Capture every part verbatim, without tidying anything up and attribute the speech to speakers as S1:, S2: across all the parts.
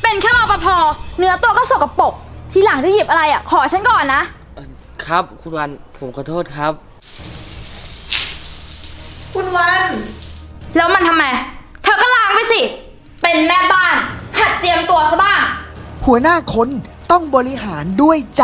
S1: เป็นแค่รปภเนื้อตัวก็สกปรกทีหลังจะหยิบอะไรอ่ะขอฉันก่อนนะครับ
S2: คุณวันผมขอโทษครับ
S3: คุณวัน
S1: แล้วมันทำไมเธอก็ล้างไปสิเป็นแม่บ้านหัดเจียมตัวซะบ้าง
S4: หัวหน้าคนต้องบริหารด้วยใจ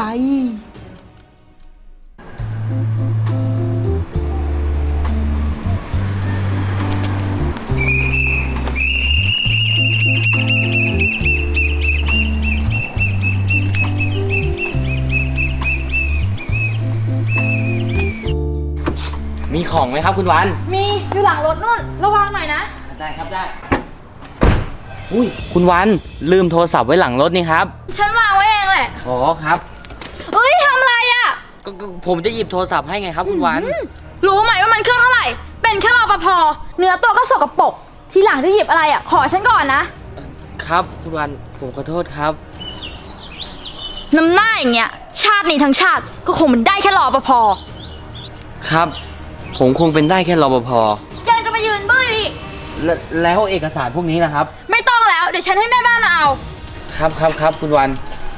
S2: มีของไหมครับคุณวัน
S1: มีอยู่หลังรถนู่นระวังหน่อยนะ
S2: ได้ครับได้อุ้ยคุณวันลืมโทรศัพท์ไว้หลังรถนี่ครับ
S1: ฉันวางไว้เองแหละ
S2: อ๋อครับ
S1: เอ้ยทำอะไรอ่ะ
S2: ก็ผมจะหยิบโทรศัพท์ให้ไงครับคุณวัน
S1: รู้ไหมว่ามันเครื่องเท่าไหร่เป็นแค่รปภเนื้อตัวก็สกปรกทีหลังจะหยิบอะไรอ่ะขอฉันก่อนนะครับ
S2: คุณวันผมขอโทษครับ
S1: น้ำหน้าอย่างเงี้ยชาตินี้ทั้งชาติก็คงเป็นได้แค่รปภ
S2: ครับผมคงเป็นได้แค่รปภ
S1: ยังจะมายืนบื้ออีก
S2: แล้วแล้วเอกสารพวกนี้นะครับ
S1: ไม่ต้องแล้วเดี๋ยวฉันให้แม่บ้านมาเอา
S2: ครับครับครับคุณวัน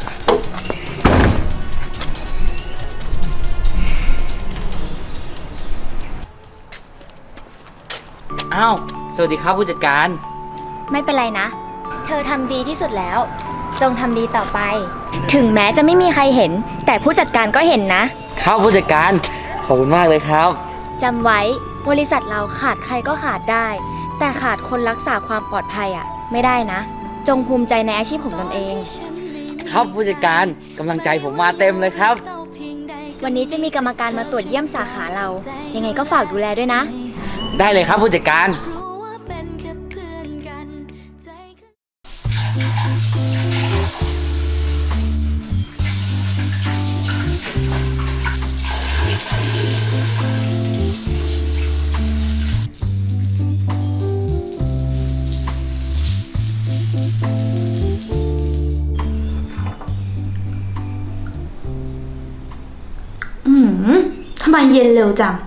S2: อ้าวสวัสดีครับผู้จัดการ
S5: ไม่เป็นไรนะเธอทำดีที่สุดแล้วจงทำดีต่อไปถึงแม้จะไม่มีใครเห็นแต่ผู้จัดการก็เห็นนะครับ
S2: ผู้จัดการขอบคุณมากเลยครับ
S5: จำไว้บริษัทเราขาดใครก็ขาดได้แต่ขาดคนรักษาความปลอดภัยอ่ะไม่ได้นะจงภูมิใจในอาชีพของตนเอง
S2: ครับผู้จัดการกำลังใจผมมาเต็มเลยครับ
S5: วันนี้จะมีกรรมการมาตรวจเยี่ยมสาขาเรายังไงก็ฝากดูแลด้วยนะ
S2: ได้เลยครับผู้จัดการ
S1: อืมทำไมเย็นเร็วจัง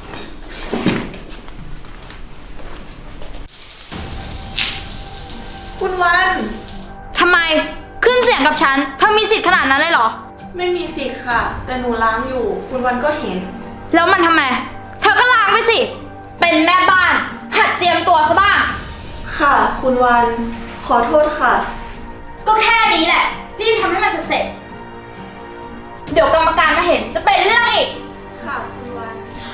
S3: คุณวัน
S1: ทำไมขึ้นเสียงกับฉันเธอมีสิทธิ์ขนาดนั้นเลยเหรอ
S3: ไม่มีสิทธิ์ค่ะแต่หนูล้างอยู่คุณวันก็เห็น
S1: แล้วมันทำไมเธอก็ล้างไปสิเป็นแม่บ้านหัดเจียมตัวซะบ้าง
S3: ค่ะคุณวันขอโทษค่ะ
S1: ก็แค่นี้แหละรีบทำให้มันเสร็จเดี๋ยวกรรมการมาเห็นจะเป็นเรื่องอีก
S3: ค่ะคุณวัน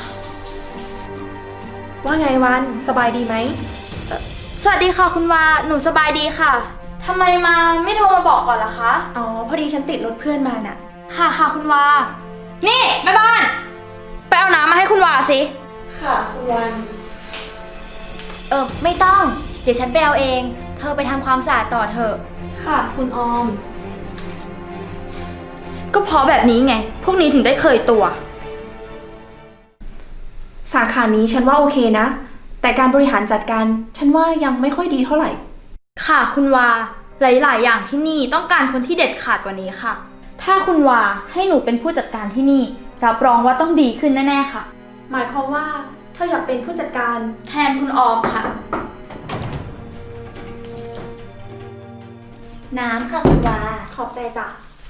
S6: ว่าไงวันสบายดีไหม
S1: สวัสดีค่ะคุณวาหนูสบายดีค่ะทำไมมาไม่โทรมาบอกก่อนล่ะคะ
S6: อ๋อพอดีฉันติดรถเพื่อนมาน่ะ
S1: ค่ะค่ะคุณวานี่แม่บ้านไปเอาน้ำมาให้คุณวาสิ
S3: ค่ะคุณวัน
S5: เออไม่ต้องเดี๋ยวฉันไปเอาเองเธอไปทำความสะอาดต่อเถอะ
S3: ค่ะคุณออม
S1: ก็เพราะแบบนี้ไงพวกนี้ถึงได้เคยตัว
S6: สาขานี้ฉันว่าโอเคนะแต่การบริหารจัดการฉันว่ายังไม่ค่อยดีเท่าไหร่
S1: ค่ะคุณวาหลายๆอย่างที่นี่ต้องการคนที่เด็ดขาดกว่านี้ค่ะถ้าคุณวาให้หนูเป็นผู้จัดการที่นี่รับรองว่าต้องดีขึ้นแน่ๆค่ะ
S6: หมายความว่าเธออยากเป็นผู้จัดการ
S1: แทนคุณออมค่ะ
S5: น้ำค่ะคุณวา
S6: ขอบใจจ้ะ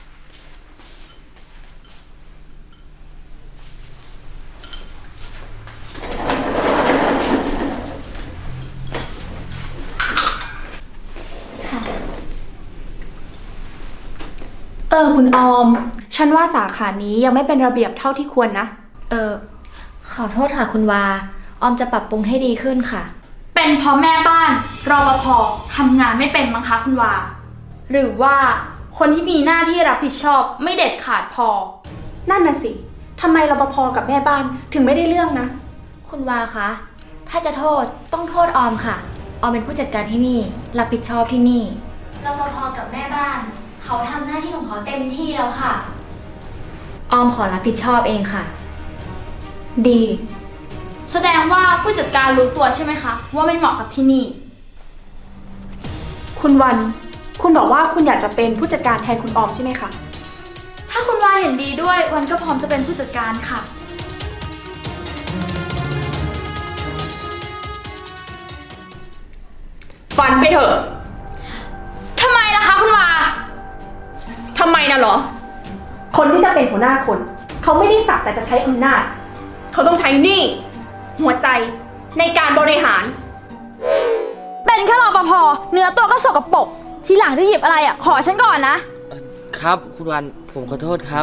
S6: เออคุณออมฉันว่าสาขานี้ยังไม่เป็นระเบียบเท่าที่ควรนะ
S5: เออขอโทษค่ะคุณวาออมจะปรับปรุงให้ดีขึ้นค่ะ
S1: เป็นเพราะแม่บ้านรปภทำงานไม่เป็นมั้งคะคุณวาหรือว่าคนที่มีหน้าที่รับผิดชอบไม่เด็ดขาดพอ
S6: นั่นน่ะสิทำไมรปภกับแม่บ้านถึงไม่ได้เรื่องนะ
S5: คุณวาคะถ้าจะโทษต้องโทษออมค่ะออมเป็นผู้จัดการที่นี่รับผิดชอบที่นี่รปภกับแม่บ้านเขาทำหน้าที่ของเขาเต็มที่แล้วค่ะออมขอรับผิดชอบเองค่ะ
S6: ดี
S1: แสดงว่าผู้จัดการรู้ตัวใช่ไหมคะว่าไม่เหมาะกับที่นี่
S6: คุณวันคุณบอกว่าคุณอยากจะเป็นผู้จัดการแทนคุณออมใช่ไหมคะ
S1: ถ้าคุณวาเห็นดีด้วยวันก็พร้อมจะเป็นผู้จัดการค่ะ
S6: ฝันไปเถอะ
S1: ทำไมล่ะคะ
S6: อะเหรอ คนที่จะเป็นหัวหน้าคน เขาไม่ได้สักแต่จะใช้อำนาจ เขาต้องใช้หนี้หัวใจในการบริหาร
S1: เป็นแค่รปภเนื้อตัวก็สกปรกทีหลังจะหยิบอะไรอ่ะขอฉันก่อนนะ
S2: ครับคุณวันผมขอโทษครับ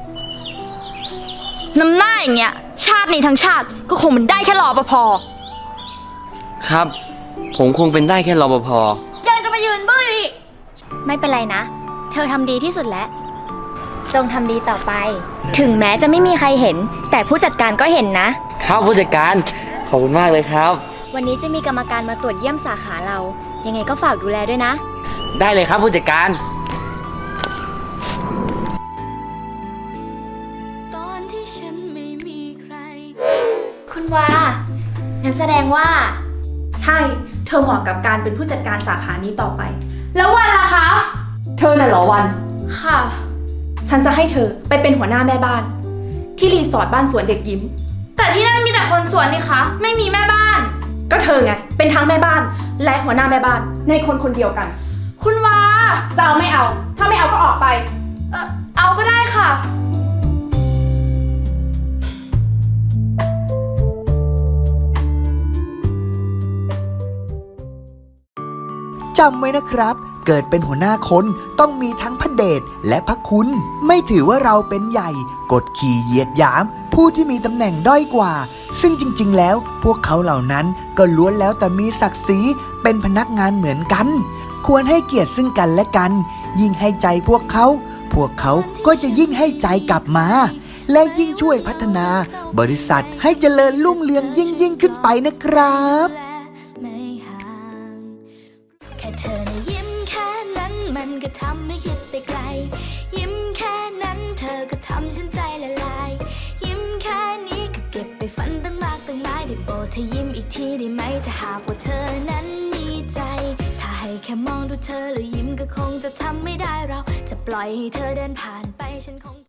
S1: น้ำหน้าอย่างเงี้ยชาตินี้ทั้งชาติก็คงเป็นได้แค่รปภ
S2: ครับ ผมคงเป็นได้แค่รปภ
S1: ยังจะมายืนบื้ออีก
S5: ไม่เป็นไรนะ เธอทำดีที่สุดแล้ว จงทำดีต่อไป ถึงแม้จะไม่มีใครเห็น แต่ผู้จัดการก็เห็นนะ
S2: ครับผู้จัดการขอบคุณมากเลยครับ
S5: วันนี้จะมีกรรมการมาตรวจเยี่ยมสาขาเรา ยังไงก็ฝากดูแลด้วยนะ
S2: ได้เลยครับผู้จัดการ
S7: ตอนที่ฉันไม่มีใคร
S5: คุณวา งั้นแสดงว่า
S6: ใช่ เธอเหมาะกับการเป็นผู้จัดการสาขานี้ต่อไป
S1: แล้ววันล่ะคะ
S6: เธอน่ะเหรอวัน
S1: ค่ะ
S6: ฉันจะให้เธอไปเป็นหัวหน้าแม่บ้าน ที่รีสอร์ทบ้านสวนเด็กยิ้ม
S1: แต่ที่นั่นมีแต่คนสวนนี่คะไม่มีแม่บ้าน
S6: ก็เธอไง เป็นทั้งแม่บ้าน และหัวหน้าแม่บ้าน ในคนคนเดียวกัน
S1: คุณวา
S6: จะเอาไม่เอา ถ้าไม่เอาก็ออกไป
S1: เอ่อเอาก็ได้ค่ะ
S4: จำไว้นะครับ เกิดเป็นหัวหน้าคนต้องมีทั้งพระเดชและพระคุณ ไม่ถือว่าเราเป็นใหญ่ กดขี่เหยียดหยาม ผู้ที่มีตำแหน่งด้อยกว่า ซึ่งจริงๆ แล้วพวกเขาเหล่านั้นก็ล้วนแล้วแต่มีศักดิ์ศรีเป็นพนักงานเหมือนกัน ควรให้เกียรติซึ่งกันและกัน ยิ่งให้ใจพวกเขา พวกเขาก็จะยิ่งให้ใจกลับมา และยิ่งช่วยพัฒนา บริษัทให้เจริญรุ่งเรืองยิ่งยิ่งขึ้นไปนะครับ
S7: ไม่ห่างแค่เธอนะยิ้มแค่นั้นมันก็ทำให้คิดไปไกล ยิ้มแค่นั้นเธอก็ทำฉันใจละลาย ยิ้มแค่นี้ก็เก็บไปฝันตั้งมากตั้งหลายได้โปรดเธอยิ้มอีกทีได้ไหมถ้าหากว่าเธอนั้นมีใจ ถ้าให้แค่มองดูเธอแล้วยิ้มก็คงจะทำไม่ได้เราจะปล่อยให้เธอเดินผ่านไปฉันคง